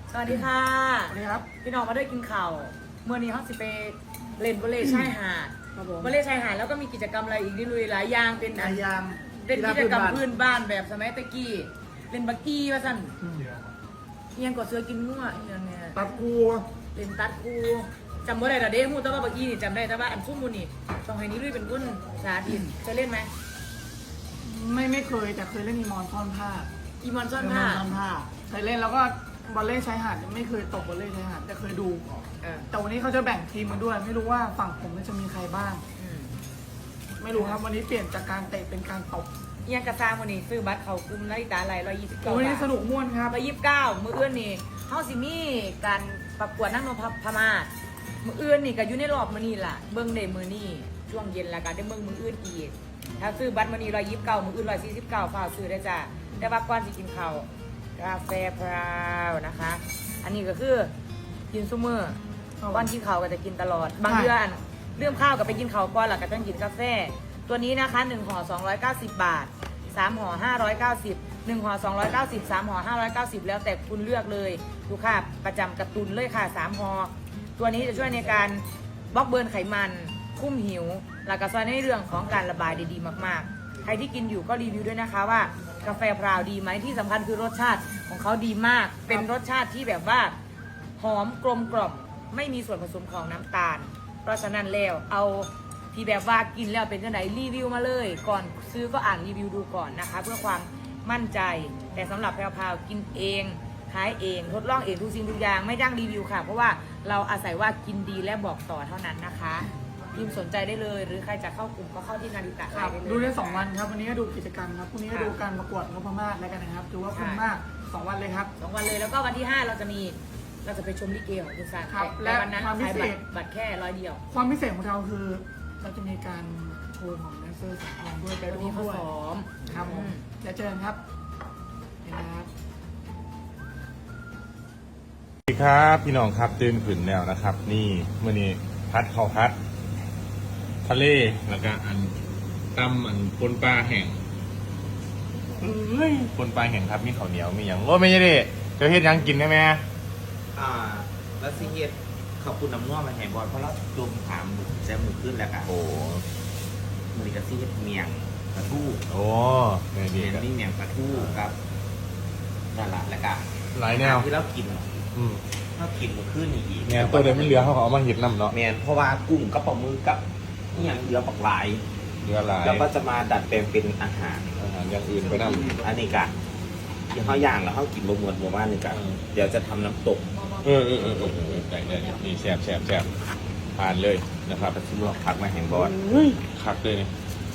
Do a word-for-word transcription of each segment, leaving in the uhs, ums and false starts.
สวัสดีค่ะสวัสดีครับพี่น้องมาด้วยกินข่าวเมื่อนี้เขาสิไปเล่นวอลเลย์ชายหาดครับผมวอลเลย์ชายหาดแล้วก็มีกิจกรรมอะไรอีกนิดลุยหลายอย่างเป็นนายยามเป็นกิจกรรมพื้พื้นนบ้านแบบสมัยตะกี้เล่นบักกี้ว่าสั่นอืมเอียงกดเสือกินงัวเอียงเนี่ยตัดกูเล่นตัดกูจำบ่ได้แต่เด้ฮู้แต่ว่าบักกี้นี่จำได้แต่ว่าอันซุ่มมูนี่ต้องให้นี้ลุยเป็นกุ้นสาธิตเคยเล่นไหมไม่ไม่เคยแต่เคยเล่นอีมอนซ่อนผ้าอีมอนซ่อนอีมผ้าอนซ่อนผ้าเคยเล่นแล้วก็บอลเล่ชายหาดไม่เคยตกบอลเล่ชายหาดแต่เคยดูเออแต่วันนี้เขาจะแบ่งทีมมาด้วย ไม่รู้ว่าฝั่งผมจะมีใครบ้างอืมไม่รู้ครับวันนี้เปลี่ยนจากการเตะเป็นการตบเอียงกระซางมูนี่ซื้อบัตรเขากลุ่มนาฬิตาไหลร้อยยี่สิบแต่เก้าวันนี้บาทสนุกม่วนครับร้อยยี่สิบเก้ามืออื่นนี่เฮาสิมีการประกวดนั่งนพพมาศมืออื่นนี่ก็อยู่ในรอบมื้อนี้ล่ะเบิ่งได้มื้อนี้ช่วงเย็นแล้วก็ได้เบิ่งมื้ออื่นอีกถ้าซื้อบัตรมื้อนี้ร้อยยี่สิบเก้ามื้ออื่นร้อยสี่สิบเก้าฝากซื้อได้จ้ะแต่ว่าก่อนสิกินข้าวกาแฟพราวนะคะ อันนี้ก็คือกินซุมื้อก่อนกินข้าวก็จะกินตลอด บางเดือนเรื่องข้าวก็ไปกินข้าวก่อนแล้วก็ต้องกินกาแฟตัวนี้นะคะหนึ่งห่อสองร้อยเก้าสิบบาทสามห่อห้าร้อยเก้าสิบ หนึ่งห่อสองร้อยเก้าสิบ สามห่อห้าร้อยเก้าสิบแล้วแต่คุณเลือกเลยดูค่ะประจำกระตุนเลยค่ะสามห่อตัวนี้จะช่วยในการบล็อกเบิร์นไขมันคุ้มหิวแล้วก็ช่วยในเรื่องของการระบายได้ดีมากๆใครที่กินอยู่ก็รีวิวด้วยนะคะว่ากาแฟพราวดีไหมที่สำคัญคือรสชาติของเขาดีมากเป็นรสชาติที่แบบว่าหอมกลมกล่อมไม่มีส่วนผสมของน้ำตาล เพราะฉะนั้นแล้วเอาที่แบบว่ากินแล้วเป็นจังไหนรีวิวมาเลย ก่อนซื้อก็อ่านรีวิวดูก่อนนะคะ เพื่อความมั่นใจแต่สำหรับแพรวๆกินเองขายเองทดลองเองทุกสิ่งทุกอย่างไม่จ้างรีวิวค่ะ เพราะว่าเราอาศัยว่ากินดีและบอกต่อเท่านั้นนะคะพิมพ์สนใจได้เลย หรือใครจะเข้ากลุ่มก็เข้าที่นาฬิกาครับได้เลยดูได้สองวันครับวันนี้ก็ดูกิจกรรมครับพรุ่งนี้ก็ดูการประกวดนพมาศแล้วกันนะครับถือว่าคุ้มมากสองวันเลยครับสองวันเลยแล้วก็วันที่ห้าเราจะมีเราจะไปชมลิเกของคุณซานครับแต่วันนั้นและความพิขายเศบัตษรบัตรแค่ร้อยเดียวความพิเศษของเราคือเราจะมีการโชว์ของแดนเซอร์สองคนด้วยไปวันร่วนี้มเขาด้วยซ้อมครับผมอืมเดี๋ยวเจอกันครับเห็นนะครับสวัสดีครับพี่น้องครับตื่นขึ้นแล้วนะครับ นี่มื่อนี้พัดข้าวพัด ทะเลแล้วก็อันตำอันปนปลาแห้งเอ้ยปนปลาแห้งครับมีข้าวเหนียวมีอย่างโอ้ไม่ใช่ดิเดี๋ยวเฮ็ดหยังกินได้ไหมอ่าแล้วซีเฮ็ดขอบคุณน้ำง่วงมาแห่บอลเพราะเราจมถามหมึกแซมหมึกขึ้นแล้วกันโอ้มันนี่ก็ซีเฮ็ดเมียงปลาทู่โอ้นี่เมีดียงครับนี่เมียงปลาทู่ครับนั่นแหละแล้วก็หลายแนวที่เรากินอืมเรากินเมื่อคืนนี่อีกเนี่ยตัวเดิมไม่เหลือเขาก็เอามาเห็ดน้ำเนาะเมียนเพราะว่ากุ้งกับปลาหมึกกับนี่อย่างเหลือปักหลายเหลือหลายแล้วก็จะมาดัดแปลงเป็นอาหารอาหารอย่างอื่นไปน้ำอันนี้กะที่เขาย่างแล้วเขากินบะหมวดหมู่บ้านนี่กะอืมเดี๋ยวจะทำน้ำตกเออเออเออเออเออได้ได้นี่แซ่บแซ่บแซ่บผ่านเลยนะครับปลาทู่ผักมาแห่งบอลคักเลยนี่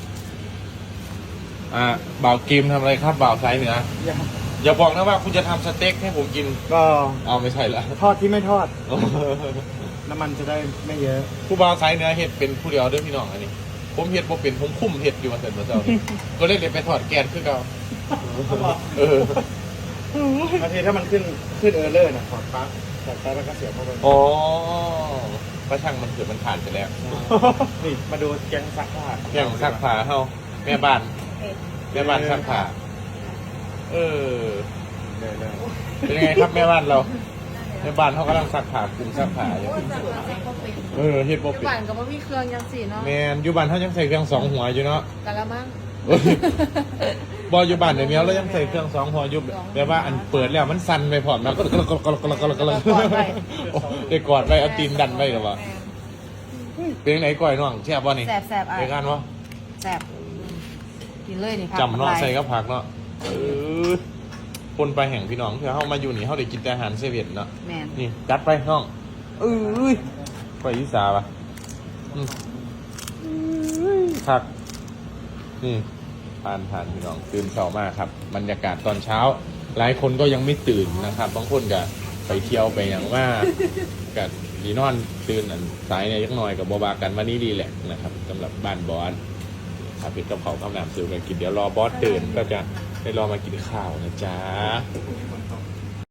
อ่าบ่าวเกมทำอะไรครับบ่าวสายเหนือ อย่าบอกนะว่าคุณจะทำสเต็กให้ผมกินก็เอาไม่ใช่ละทอดที่ไม่ทอดน้ำมันจะได้ไม่เยอะผู้บ่าวสายเหนือเห็ดเป็นผู้เดียวเด้วยพี่น้องอันนี้ ผมเห็ดบ่เป็นผมคุ้มเห็ดอยู่มาเสร็จมาเจ้านี่ก็เลยเดี๋ยวไปถอดแกนขึ้นเอาเออบางทีถ้ามันขึ้นขึ้นเออร์เลอร์นะถอดปลั๊กถอดปลั๊กแล้วก็เสียบเข้าไปอ๋อก็ช่างมันเกิดมันผ่านไปแล้วนี่มาดูแกงซักผ้าอย่างซักผ้าเฮาแม่บ้านแม่บ้านซักผ้าเออเลยเลยเป็นไงครับแม่บ้านเราแม่บ้านเขากำลังซักผ้ากลุ่มซักผ้าอยู่เออเฮ็ดบ่อยู่เป็นบ้านก็บ่มีเครื่องยังสิเนาะแมนอยู่บ้านเขายังใส่เครื่องสองหัวอยู่เนาะกะละมังเอ้ยบออยู่บ้านเดี๋ยวนี้เรายังใส่เครื่องสองหัวอยู่แบบว่าอันเปิดแล้วมันสั่นไปพร้อมนะก็ก็ก็ก็ก็ก็ก็ได้กอดไปเอาตีนดันไปหรอวะเป็นไหนก่อยน้องแช่บบ่นี่แสบแสบอ่ะในการวะแสบกินเลยนี่ครับจำเนาะใส่กับผักเนาะเออคนไปแห่งพี่น้องเพื่อเข้ามาอยู่นี่เขาได้กินแต่อาหารเซเว่นเนาะแมนนี่จัดไปน้องเอ้ยไปยิสาปะอืมผักนี่ทานทานพี่น้องตื่นเช้ามากครับบรรยากาศตอนเช้า หลายคนก็ยังไม่ตื่นนะครับบางคนก็ไปเที่ยวไปอย่างว่ากับดีนอนตื่นอันสายเนี่ยยักหน่อยกับบอบากันวันนี้ดีแหละนะครับสำหรับบ้านบอสครับพี่กระเพราข้าวหนามซิวกันกินเดี๋ยวรอบอสตื่นก็จะได้รอมากินข้าวนะจ๊ะ